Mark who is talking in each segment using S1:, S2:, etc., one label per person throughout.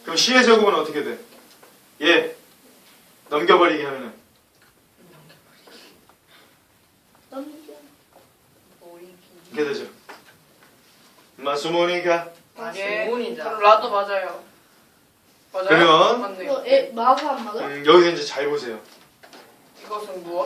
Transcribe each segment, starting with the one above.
S1: 그럼 C의 제곱은 어떻게 돼? 얘 넘겨버리기 하면은 이렇게 되죠. 마수모니까.
S2: 라도 맞아요. 맞아요?
S1: 그러면
S2: 맞네요.
S3: 마가 안 맞아?
S1: 여기서 이제 잘 보세요.
S2: 이것은 무엇?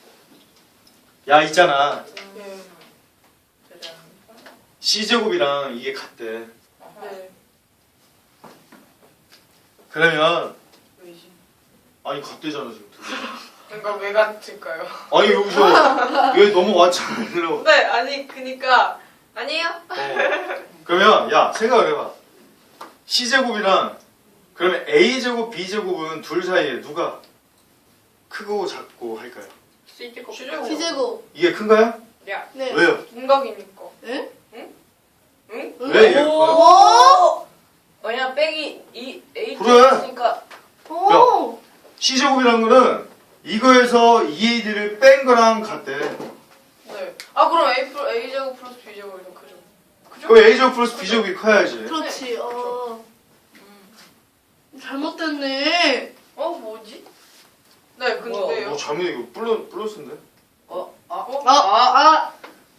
S1: 야 있잖아.
S2: 되지 않습니까?
S1: C제곱이랑 이게 같대.
S2: 네.
S1: 그러면
S2: 왜지?
S1: 아니 같대잖아 지금.
S2: 그러니까 왜 같을까요?
S1: 아니 여기서 왜 넘어왔잖아 일로.
S2: 네, 아니 그니까 아니에요?
S1: 그러면 야 생각을 해봐. C제곱이랑 그러면 A제곱 B제곱은 둘 사이에 누가 크고 작고 할까요?
S2: C제곱.
S3: C제곱.
S1: 이게 큰가요?
S2: 야,
S3: 네.
S1: 왜요?
S2: 동각이니까.
S3: 응?
S2: 응?
S1: 왜 이게 커요?
S3: 오!
S2: 왜냐 빼기 이 A
S1: 그래.
S2: 있으니까.
S3: 오!
S1: C제곱이란 거는 이거에서 2AD를 뺀 거랑 같대.
S2: 네. 아 그럼 A 제곱 플러스 B 제곱이 더 크죠? 그죠?
S1: 그럼 A제곱 플러스 B제곱이 커야지.
S3: 그렇지. 잘못됐네.
S2: 뭐지? 네, 근데요.
S1: 뭐 잘못 이거 플러스인데?
S2: 깜짝.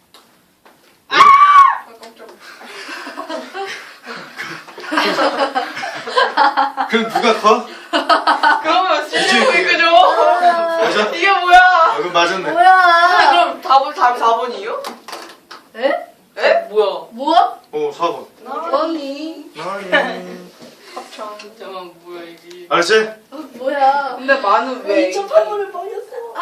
S1: 그럼 누가 커?
S2: 그러면 C
S1: 이제
S2: 제곱이
S1: 이게-
S2: 그죠?
S1: 맞아?
S2: 이게 뭐야?
S1: 그럼 맞았네.
S3: 뭐야?
S2: 그럼 답이 4번이에요?
S3: 에?
S2: 에? 뭐야?
S3: 뭐야?
S1: 4번.
S3: 언니.
S2: 합창. 잠깐만 뭐야 이게?
S1: 알았지?
S3: 뭐야?
S2: 근데 만은 왜?
S3: 2.8번을 버렸어.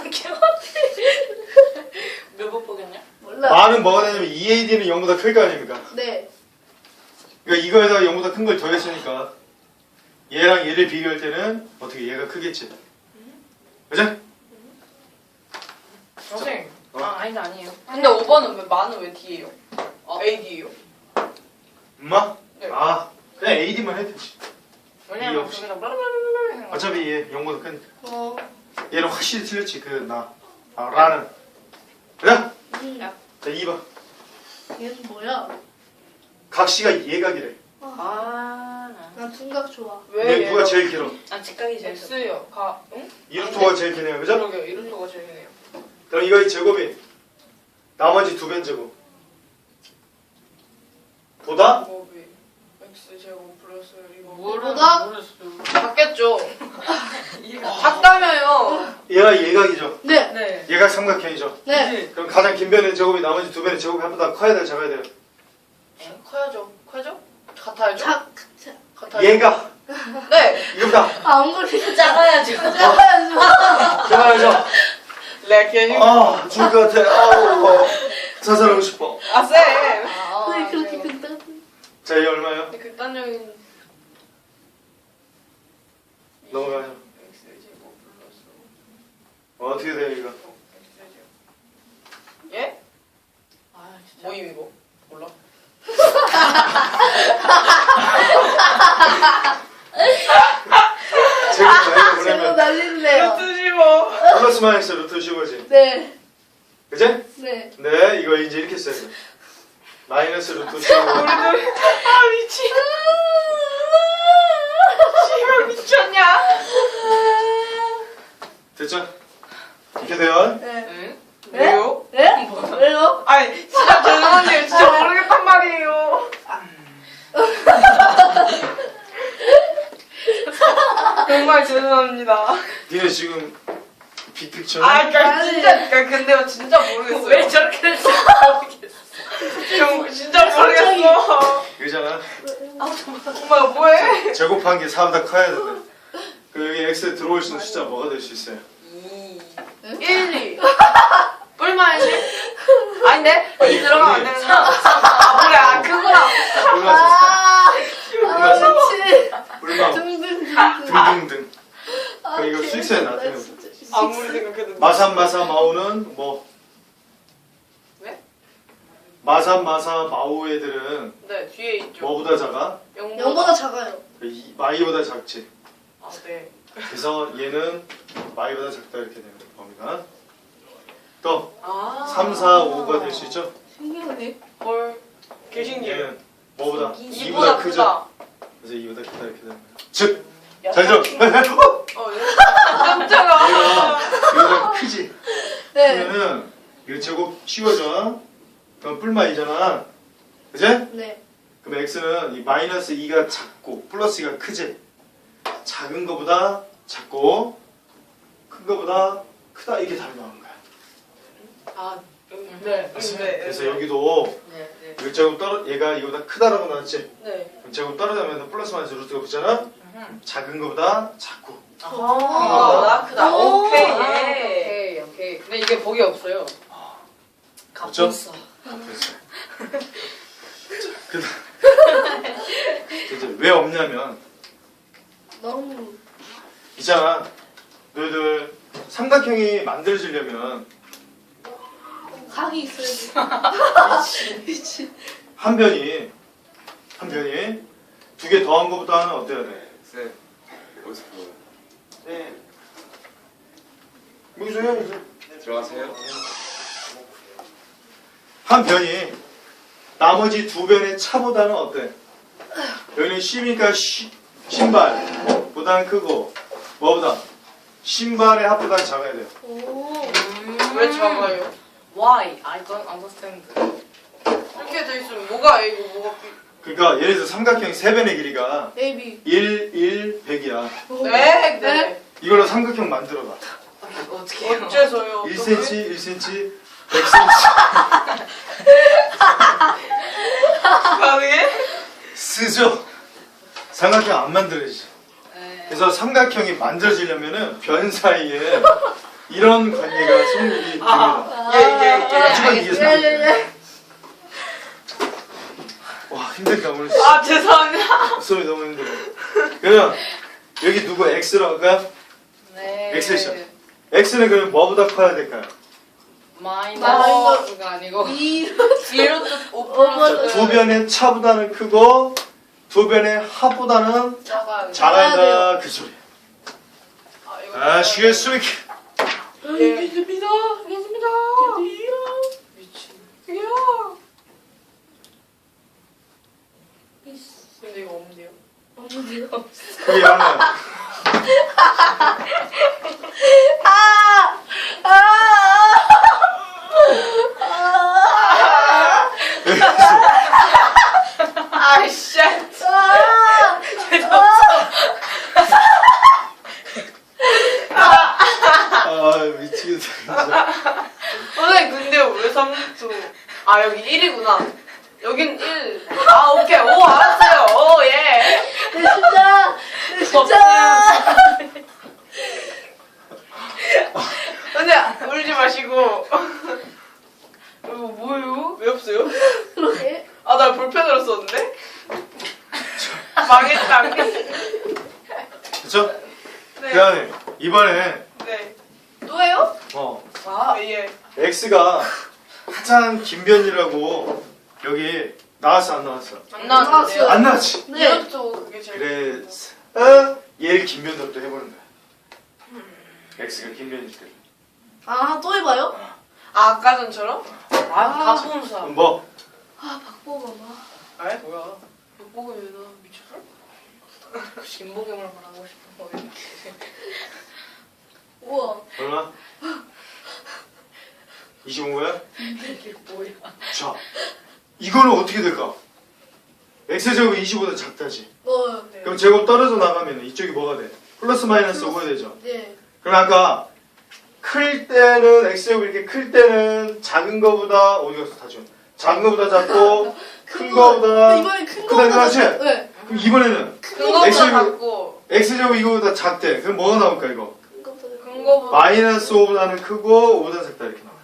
S2: 몇번 보겠냐?
S3: 몰라.
S1: 많은 뭐가 되냐면 2AD는 0보다 클 거 아닙니까?
S3: 네.
S1: 그러니까 이거에다가 0보다 큰 걸 더했으니까 얘랑 얘를 비교할 때는 어떻게 얘가 크겠지? 그죠?
S2: 선생님.
S4: 아니에요.
S2: 근데 5번은 왜 만은 왜 D예요? AD예요?
S1: 엄마?
S2: 네.
S1: 그냥 AD만 해도 되지.
S2: 왜냐면
S1: 없이.
S2: 거기다 블라블라블라
S1: 어차피 얘 0보다 큰
S3: 어.
S1: 얘는 확실히 틀렸지 라는 그래?
S3: 야,
S1: 자 2번
S3: 얘는 뭐야?
S1: 각시가 예각이래.
S3: 난 둔각 좋아.
S1: 근데 누가 제일 길어?
S4: 직각이 제일
S2: X요. 응?
S1: 이루토가 제일 기네요. 그죠?
S2: 그러게요. 이름표가 제일 기네요.
S1: 그럼 이거의 제곱이 나머지 두 배의 제곱 보다
S2: 제곱이 X제곱 플러스 이거
S3: 뭐다?
S2: 바뀌었죠? 같다며요.
S1: 얘가 예각이죠.
S3: 네.
S2: 네.
S1: 얘가 삼각형이죠.
S3: 네.
S1: 그럼 가장 긴 변의 제곱이 나머지 두 변의 제곱이 한보다 커야 돼요, 작아야 돼요?
S2: 커야죠. 커야죠? 같아야죠? 같아야죠?
S1: 얘가
S2: 네.
S1: 이거보다
S3: 아무리
S4: 작아야죠.
S3: 작아야죠.
S1: 작아야죠.
S2: 렉이
S1: 죽을 것 같아. 자살하고 싶어.
S2: 아 쌤.
S3: 왜 그렇게 큰다?
S1: 자, 얘 얼마예요?
S2: 극단적인
S1: 넘어가죠.
S2: X제곱 플러스
S1: 어떻게 돼요, 이거?
S2: X제곱. 예? 모임 이거 몰라?
S1: 제곱 나이가
S3: 제곱
S1: 보내면
S3: 날린대요.
S2: 루트 15.
S1: 플러스 마이너스 루트 15지.
S3: 네.
S1: 그지?
S3: 네.
S1: 네, 이거 이제 이렇게 써야 돼. 마이너스 루트 15.
S2: 아 미친. 씨발 미쳤냐?
S1: 됐죠? 이렇게 돼요.
S3: 네.
S2: 응?
S3: 네?
S2: 왜요?
S3: 네? 왜요?
S2: 아니 진짜 죄송한데요. 진짜 모르겠단 말이에요. 정말 죄송합니다.
S1: 니네 지금 빅픽처?
S2: 그러니까 진짜 모르겠어요.
S4: 왜 저렇게 될지
S2: 진짜 모르겠어.
S1: 그잖아.
S2: 엄마 뭐해?
S1: 제곱한 게 4보다 커야 돼. 그 여기 x에 들어올 수 있는 숫자 뭐가 될 수 있어요?
S2: 1, 2. 뿔만 1? 아닌데?
S1: 아니,
S2: 2 들어가면 안
S1: 언니.
S2: 되는구나. 그래, 그거랑.
S1: 얼마
S3: 그렇지.
S1: 얼마 등등등.
S3: 아,
S1: 이거 수익서에 나타내는
S2: 아무리 생각해도.
S1: 마삼마사 마오는 뭐?
S2: 왜?
S1: 마삼마사 마오 애들은
S2: 네, 뒤에 있죠.
S1: 뭐보다 작아?
S3: 0보다 작아요.
S1: 마이보다 작지.
S2: 아, 네.
S1: 그래서 얘는 마이보다 작다 이렇게 되는 범위가. 또 3, 4, 5가 될 수 있죠?
S3: 신기하네.
S2: 헐. 개신기해.
S1: 얘는 뭐보다?
S2: 2보다 크다.
S1: 그래서 이거보다 크다 이렇게 되는 거야. 즉,
S2: 야,
S1: 잘 들어.
S2: 어, 예. 깜짝아.
S1: 이거보다 크지.
S3: 네.
S1: 그러면은 이거 제곱 씌워져. 그럼 뿔마이잖아. 그지?
S3: 네.
S1: 그럼 x는 이 마이너스 2가 작고 플러스 2가 크지? 작은 거보다 작고 큰 거보다 크다 이게 답이 나오는 거야.
S2: 아,
S4: 네.
S1: 그래서 여기도
S4: 네.
S1: 이 제곱 떨어 얘가 이거보다 크다라고 나왔지?
S2: 네.
S1: 그럼 제곱 떨어지면서 플러스 마이너스 루트가 붙잖아? 작은 거보다 작고
S2: 나 크다.
S3: 오.
S2: 오케이.
S4: 오케이. 근데 이게 복이 없어요.
S1: 그렇죠?
S4: 값었어.
S1: 됐어. 그 이제 왜 없냐면
S3: 너무
S1: 있잖아. 너희들 삼각형이 만들어지려면
S3: 각이 있어야지. 미친.
S1: 한 변이 두 개 더한 것보다는 어때야 돼?
S5: 쌤, 어디서 보여요?
S1: 네. 여기서 해야지.
S5: 들어가세요.
S1: 한 변이 나머지 두 변의 차보다는 어때? 여기는 C니까 신발보다는 크고 뭐보다? 신발의 합보다 작아야 돼요.
S3: 오.
S2: 왜 작아요?
S4: Why? I don't understand.
S2: 이렇게 돼 있으면 뭐가 A고 뭐가 B?
S1: 그러니까 예를 들어서 삼각형의 세 변의 길이가
S3: A, B.
S1: 1, 1, 100이야.
S2: 네, 네.
S1: 이걸로 삼각형 만들어봐.
S4: 어떻게 해요?
S2: 어째서요?
S1: 1cm, 1cm, 100cm.
S2: 가능해?
S1: 쓰죠. 삼각형 안 만들어지죠.
S4: 네.
S1: 그래서 삼각형이 만들어지려면은 변 사이에 이런 관계가 성립이 됩니다. 하지만 이게 삼각형이야. 와 힘들다 오늘.
S2: 아, 죄송합니다.
S1: 소리 너무 힘들어. 그러면 여기 누구 x라고 할까요?
S4: 네.
S1: X죠. x는 그러면 뭐보다 커야 될까요?
S4: 마이너스가 아니고
S3: 2.
S2: 1루트 5
S1: 자,
S2: 플러스
S1: 두 변의 차보다는 크고 두 변의 합보다는
S2: 작아요.
S1: 작아야 그 소리.
S2: 이거
S1: 아시겠습니까?
S2: 예. 알겠습니다. 알겠습니다.
S4: 미친.
S2: 야. 근데 이거 없는데요?
S3: 없는데요?
S1: 그게 하나.
S2: 아, 씨.
S1: 아 미치겠다 진짜.
S2: 선생님, 근데 왜 3루트? 아, 여기 1이구나. 여긴 1. 아, 오케이. 오, 알았어요. 오, 예.
S3: 내 진짜. 내 진짜.
S2: 근데 울지 마시고. 이거 뭐예요? 왜 없어요?
S3: 그러게.
S2: 아, 나 볼펜으로 썼는데? 망했다.
S1: 그쵸?
S2: 네.
S1: 그다음에 이번에
S2: 네.
S3: 또예요?
S2: 아, 예.
S1: x가 가장 긴 변이라고 여기 나왔어 안 나왔어?
S2: 안 나왔는데요?
S1: 안 나왔지?
S3: 네.
S2: 이것도 그게 제일.
S1: 그래 얘를 긴 변으로 또 해보는 거야. x가 긴 변일 때.
S3: 아, 또 해봐요?
S2: 아, 아까 전처럼?
S4: 다 보는 사람.
S1: 뭐?
S3: 아, 박보검아.
S2: 아, 뭐야. 욕보고 왜 나 미쳤어?
S4: 진보경을 말하고 싶은 거예요.
S3: 우와.
S1: 얼마? 25야?
S4: 이게 뭐야?
S1: 자, 이거는 어떻게 될까? x제곱이 25보다 작다지.
S2: 네.
S1: 그럼 제곱 떨어져 나가면 이쪽이 뭐가 돼? 플러스 마이너스 5가 되죠.
S3: 네.
S1: 그럼 아까 클 때는 x제곱이 이렇게 클 때는 작은 거보다 어디 갔어 다죠? 작은 거보다 작고 큰 거보다
S3: 이번엔 큰
S1: 크다
S3: 거보다
S1: 이거지?
S3: 네.
S1: 그럼 이번에는
S2: 큰 거보다
S1: X제곱.
S2: 작고,
S1: x제곱 이거보다 작대. 그럼 뭐가 나올까 이거?
S3: 큰 거보다
S2: 큰 거보다.
S1: 마이너스 5보다는 크고 5보다 작다 이렇게 나와.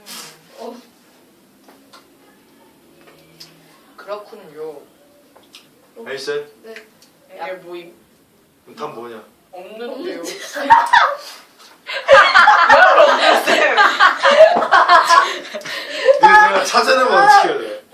S4: 그렇군요.
S1: 알겠어요?
S2: 이게 뭐임?
S1: 그럼 답 뭐냐?
S2: 없는데요. 왜 없는데, 쌤?
S1: 내가 찾아내면 어떻게 해야 돼?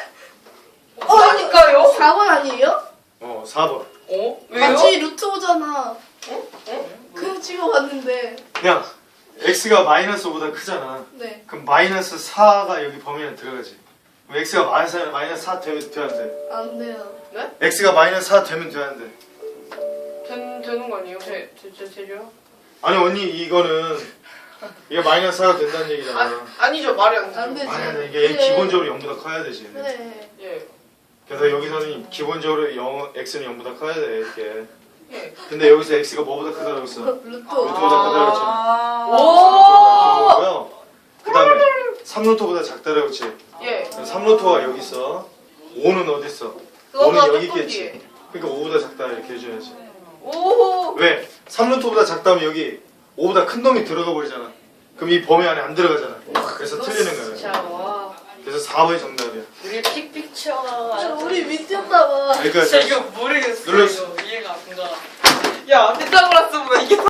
S2: 그러니까요?
S3: 4번 아니에요?
S1: 4번.
S2: 어? 왜요?
S3: 같이 루트 오잖아. 그냥 찍어봤는데.
S1: 그냥 x가 마이너스 5보다 크잖아.
S3: 네.
S1: 그럼 마이너스 4가 여기 범위 안에 들어가지. 그럼 x가 마이너스 4 돼야 안 돼?
S3: 안 돼요.
S2: 네?
S1: x가 마이너스 4 되면 되는데.
S2: 되는 거 아니에요? 제죠?
S1: 아니 언니 이거는 이게 마이너스 4가 된다는 얘기잖아.
S2: 아니죠, 말이 안
S3: 안
S2: 되죠.
S3: 되지.
S1: 아니 이게
S3: 그래.
S1: 기본적으로 0보다 커야 되지.
S3: 그래.
S2: 예.
S1: 그래서 여기서는 기본적으로 x는 0보다 커야 돼 이렇게.
S2: 예.
S1: 근데 여기서 x가 뭐보다 크다고 했어?
S3: 루트.
S1: 루트보다 크다고 했잖아.
S2: 오!
S1: 그거고요. 그 다음에 3루트보다 작다라고 했지.
S2: 예.
S1: 3루트가 여기 있어. 5는 어디 있어?
S2: 그거보다
S1: 5는 여기
S2: 조금
S1: 있겠지.
S2: 뒤에.
S1: 그러니까 5보다 작다 이렇게 해줘야지.
S2: 오!
S1: 왜? 3루트보다 작다면 여기 5보다 큰 놈이 들어가 버리잖아. 그럼 이 범위 안에 안 들어가잖아. 그래서 틀리는 거야.
S4: 진짜 와.
S1: 그래서 4번이 정답이야.
S4: 우리 픽픽쳐.
S3: 저 우리 미쳤나 봐.
S1: 그러니까
S2: 진짜 이거 모르겠어.
S1: 눌렀어.
S2: 이거 이해가 안 가. 야, 피타고라스 보면 이게